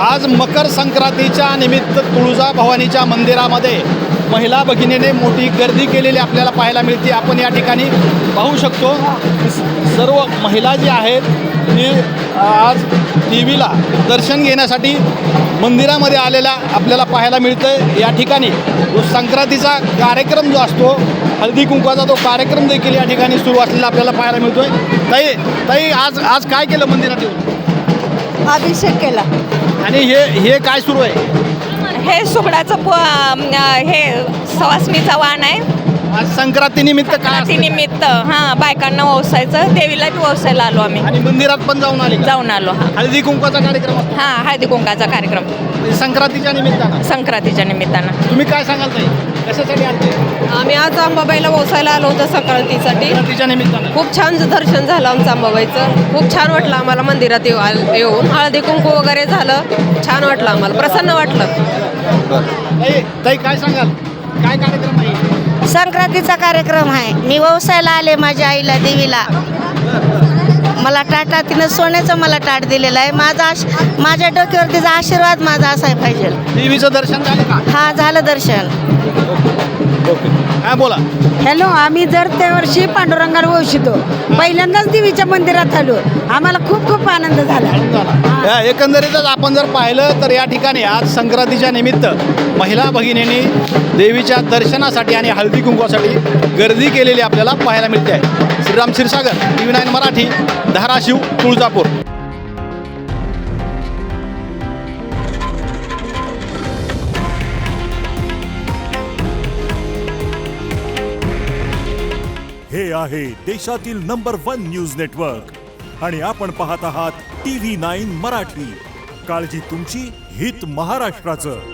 आज मकर संक्रांतीच्या निमित्त तुळजाभवानीच्या मंदिरामध्ये महिला भगिनीने मोठी गर्दी केलेली आपल्याला पाहायला मिळते। आपण या ठिकाणी पाहू शकतो सर्व महिला जी आहेत ती आज देवीला दर्शन घेण्यासाठी मंदिरामध्ये आलेला आपल्याला पाहायला मिळतं। या ठिकाणी संक्रांतीचा कार्यक्रम जो असतो हळदी कुंकवाचा तो कार्यक्रम देखील या ठिकाणी सुरू असलेला आपल्याला पाहायला मिळतोय। ताई आज काय केलं मंदिरात येऊन? अभिषेक केला। आणि हे काय सुरू आहे? हे सुगडाचं हे सवासणीचा वाण आहे। आज संक्रांतीनिमित्त काय असतं? निमित्त बायकांना वसायचं, देवीला बी वसायला आलो आम्ही। आणि मंदिरात पण जाऊन आलो हळदी कुंकवाचा कार्यक्रम असतो? हळदी कुंकाचा कार्यक्रम संक्रांतीच्या निमित्तानं। संक्रांतीच्या निमित्तानं तुम्ही काय सांगाल ताई, कशासाठी आलते? आम्ही आज अंबाबाईला वसायला आलो होतो संक्रांतीसाठी। संक्रांतीच्या निमित्तानं खूप छान दर्शन झालं आमचं अंबाबाईचं। खूप छान वाटलं आम्हाला मंदिरात येऊन हळदी कुंकू वगैरे झालं, छान वाटलं आम्हाला, प्रसन्न वाटलं। ताई काय सांगाल, काय कार्यक्रम आहे? संक्रांतीचा कार्यक्रम आहे। मी व्यवसायाला आले माझ्या आईला देवीला। मला टाटा तिनं सोन्याचं मला टाट दिलेलं आहे। माझ्या डोक्यावर तिचा आशीर्वाद माझा असाय पाहिजे। देवीचं दर्शन झालं का? हा झालं दर्शन। ओके काय बोला? हॅलो, आम्ही दर त्या वर्षी पांडुरंगाला वंशितो। पहिल्यांदाच देवीच्या मंदिरात आलो, आम्हाला खूप खूप आनंद झाला। एकंदरीतच आपण जर पाहिलं तर या ठिकाणी आज संक्रांतीच्या निमित्त महिला भगिनींनी देवीच्या दर्शनासाठी आणि हळदी कुंकवासाठी गर्दी केलेली आपल्याला पाहायला मिळते आहे। श्रीराम क्षीरसागर, TV9 मराठी, धाराशिव, तुळजापूर। हे आहे देशातील नंबर 1 न्यूज नेटवर्क आणि आपण पाहत आहात TV9 मराठी। काळजी तुमची, हित महाराष्ट्राचं।